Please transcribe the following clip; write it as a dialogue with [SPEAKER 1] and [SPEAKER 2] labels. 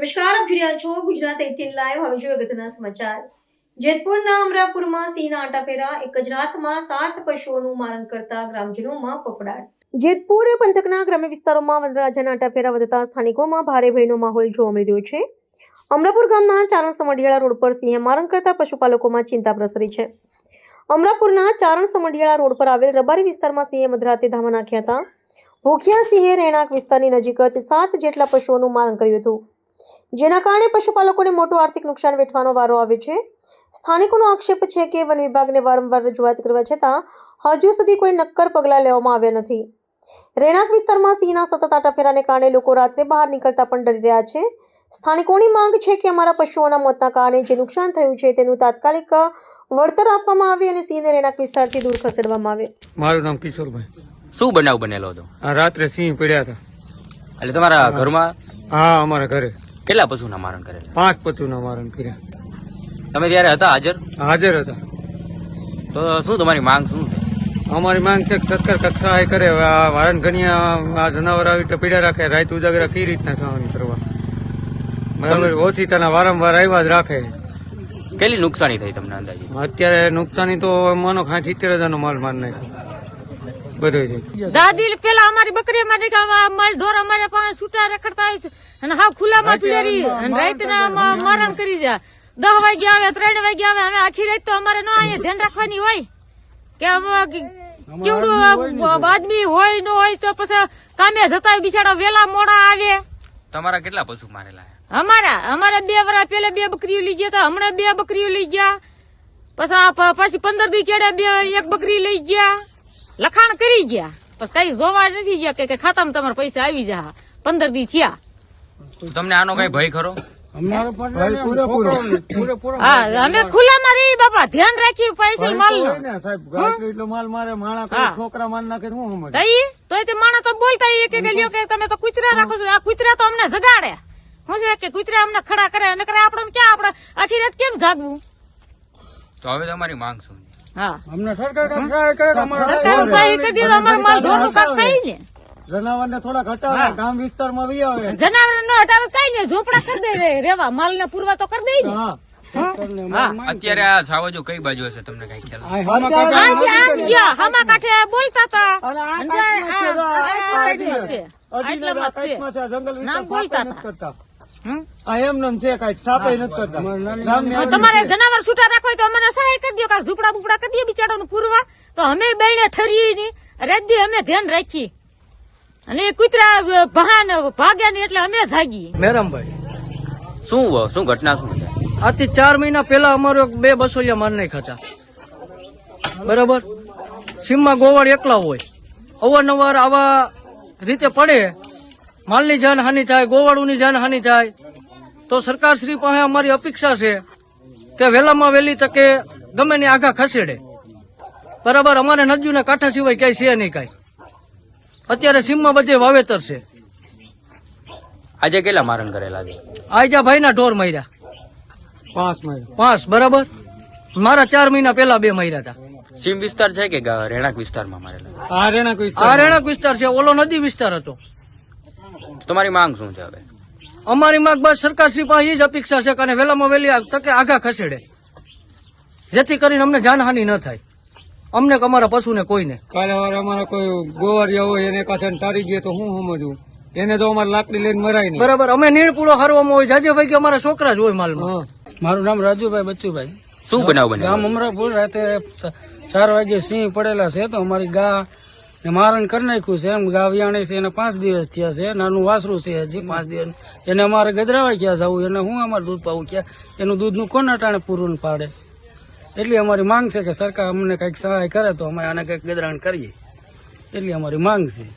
[SPEAKER 1] નમસ્કાર, આપ જોઈ રહ્યા છો ગુજરાત 18 લાઈવ। હવે જોઈએ અગત્યના સમાચાર। જેતપુરના અમરાપુરમાં સિંહના આટાફેરા, એક જ રાતમાં 7 પશુઓનું મારણ કરતા ગ્રામજનોમાં ફફડાટ। જેતપુર પંથકના ગ્રામ્ય વિસ્તારોમાં વનરાજાના આટાફેરા વધતા સ્થાનિકોમાં ભારે ભયનો માહોલ જોવા મળી રહ્યો છે। અમરાપુર ગામના ચારણ સમઢિયાળા રોડ પર સિંહે મારણ કરતા પશુપાલકોમાં ચિંતા પ્રસરી છે। અમરાપુરના ચારણ સમઢિયાળા રોડ પર આવેલ રબારી વિસ્તારમાં સિંહે મધરાતે ધામા નાખ્યા હતા। ભૂખ્યા સિંહે રહેણાંક વિસ્તારની નજીક જ 7 જેટલા પશુઓનું મારણ કર્યું હતું, જેના કારણે પશુપાલકોને મોટું આર્થિક નુકસાન વેઠવાનો વારો આવ્યો છે। સ્થાનિકોનો આક્ષેપ છે કે વન વિભાગને વારંવાર રજૂઆત કરવા છતાં હજુ સુધી કોઈ નક્કર પગલાં લેવામાં આવ્યા નથી। રહેણાંક વિસ્તારમાં સિંહના સતત આટાફેરાને કારણે લોકો રાત્રે બહાર નીકળતા પણ ડરી રહ્યા છે। સ્થાનિકોની માંગ છે કે અમારા પશુઓના મોતના કારણે જે નુકસાન થયું છે તેનું તાત્કાલિક વળતર આપવામાં આવે અને સિંહને રહેણાંક વિસ્તારથી દૂર ખસેડવામાં આવે।
[SPEAKER 2] મારું નામ કિશોરભાઈ।
[SPEAKER 3] શું બનાવ બનેલો હતો?
[SPEAKER 2] રાત્રે સિંહ પડ્યા હતા।
[SPEAKER 3] એટલે તમારા ઘરમાં?
[SPEAKER 2] હા, અમારા ઘરે।
[SPEAKER 3] કેટલા પશુના મારણ કરેલા?
[SPEAKER 2] 5 પશુના મારણ કર્યા।
[SPEAKER 3] તમે ત્યારે હતા હાજર?
[SPEAKER 2] હાજર હતા।
[SPEAKER 3] તો શું તમારી માંગ શું છે?
[SPEAKER 2] અમારી માંગ છે કે સરકાર કક્ષાએ કરે, વારણ ઘણીયા આ જનાવર આવી રીતે પીડા રાખે, રાત ઉજાગરા કઈ રીતના સહન કરવા, બરાબર? ઓછી તના વારંવાર આવ્યા જ રાખે।
[SPEAKER 3] કેટલી નુકસાની થઈ તમને અંદાજે?
[SPEAKER 2] અત્યારે નુકસાની તો માનો 70,000 નો માલ માર નાખ્યો બધું છે।
[SPEAKER 4] દાદી પેલા અમારી બકરી અમારી ઢોર અમારે પાસે છૂટા રખડતા હોય છે અને હાવ ખુલ્લામાં પીડેરી અને રાતના મરણ કરી જાય। 10 વાગે આવે, 3 વાગે આવે, અમે આખી રાત તો અમારે ન અહીંયા ધ્યાન રાખવાની હોય કે કેવડું આદમી હોય ન હોય તો પછી કામે જતા બિચારા વેલા મોડા આવે।
[SPEAKER 3] તમારા કેટલા પશુ મારેલા?
[SPEAKER 4] અમારા 2 વર્ષ પેલા 2 બકરીઓ લઈ ગયા હતા, હમણાં 2 બકરીઓ લઈ ગયા, પછી 15 દી કેડે 1 બકરી લઈ ગયા, લખાણ કરી ગયા, પણ કઈ જોવા નથી ગયા કે ખાતામાં તમારા પૈસા આવી જા। 15 દી થયા।
[SPEAKER 3] તમને આનો કઈ ભય ખરો?
[SPEAKER 4] હા, અમે ખુલ્લામાં રહી બાપા, ધ્યાન રાખી પૈસા માલ
[SPEAKER 2] છોકરા માર નાખે
[SPEAKER 4] તો તે માણસ તો બોલતા કે તમે તો કૂતરા રાખો છો। આ કૂતરા તો અમને જગાડે, શું છે કે કૂતરા અમને ખડા કરે અને કરે, આપણે ક્યાં આપણે આખી રાત કેમ જાગવું?
[SPEAKER 3] તો હવે તમારી માંગ શું?
[SPEAKER 4] હા,
[SPEAKER 2] અમને સરકાર સહાય કરે,
[SPEAKER 4] સહાય કરી દે, અમારે માલ ઢોરનું કામ થાય ને।
[SPEAKER 2] જનાવર ને થોડા ઘટાડે, ગામ વિસ્તારમાં વી આવે,
[SPEAKER 4] જનાવર નો હટાવે કઈ ને ઝોપડા કરી દે, રેવા માલ ને પૂરવા તો કરી દે ને।
[SPEAKER 3] અત્યારે આ સાવજો કઈ બાજુ હશે તમને કઈ ખ્યાલ?
[SPEAKER 4] હામા કાંઠે બોલતા હતા, તમારે જનાવર છૂટા રાખવા તો અમને સહાય કરી દો, ઝૂપડા બુપડા કરી દે બિચારા પૂરવા, તો અમે બેને ઠરી ની રાત અમે ધ્યાન રાખીએ અને કૂતરા ભાગ્યા ને એટલે અમે જાગીએ।
[SPEAKER 5] મેરામભાઈ,
[SPEAKER 3] શું ઘટના શું છે?
[SPEAKER 5] આજથી 4 મહિના પહેલા અમારો 2 બસોલિયા માર નાખ્યા હતા, બરાબર? સીમમાં ગોવાળ એકલા હોય, અવારનવાર આવા રીતે પડે, માલની જાનહાનિ થાય, ગોવાળુની જાનહાનિ થાય, તો સરકારશ્રી પાસે અમારી અપેક્ષા છે કે વહેલામાં વહેલી તકે ગમે ને આગા ખસેડે, બરાબર? અમારે નદીના કાંઠા સિવાય ક્યાંય છે નહીં કાંઈ। અત્યારે સીમમાં બધે વાવેતર છે।
[SPEAKER 3] આજે કેટલા મારણ કરેલા છે?
[SPEAKER 5] આજા ભાઈના ઢોર માર્યા 5, બરાબર? મારા 4 મહિના પહેલા 2 માર્યા હતા।
[SPEAKER 3] સીમ વિસ્તાર છે કે રહેણાંક વિસ્તારમાં મારેલા?
[SPEAKER 2] આ
[SPEAKER 5] રહેણાંક વિસ્તાર છે, ઓલો નદી વિસ્તાર હતો।
[SPEAKER 3] તમારી માંગ શું છે હવે?
[SPEAKER 5] અમારી માંગ બસ સરકારશ્રી પાસે જ અપેક્ષા છે કે વહેલામાં વહેલી તકે આગા ખસેડે, જેથી કરીને અમને જાનહાનિ ન થાય, અમને કે અમારા પશુને કોઈને।
[SPEAKER 2] કાલે અમારા કોઈ ગોવારિયા હોય એને કાંઠે તારી ગયે તો હું સમજવું, એને તો અમારે લાકડી લઈને મરાય નહીં,
[SPEAKER 5] બરાબર? અમે નીણપૂળો હારવામાં હોય, જાજે ભાઈ કે અમારા છોકરા જ હોય માલમાં।
[SPEAKER 6] મારું નામ રાજુભાઈ બચ્ચુભાઈ।
[SPEAKER 3] શું બનાવ બન્યો?
[SPEAKER 6] ગામ અમરાપુર રાતે 4 વાગે સિંહ પડેલા છે, તો અમારી ગા ને મારણ કરી નાખ્યું છે। એમ ગા વિયાણી છે, એને 5 દિવસ થયા છે, નાનું વાસરું છે હજી 5 દિવસ, એને અમારે ગજરાવા ક્યાં જવું, એને હું અમારે દૂધ પાવું ક્યાં, એનું દૂધનું કોના ટાણે પૂરું પાડે? એટલી અમારી માંગ છે કે સરકાર અમને કઈક સહાય કરે તો અમે આને કઈક ગદરાણ કરીએ, એટલી અમારી માંગ છે।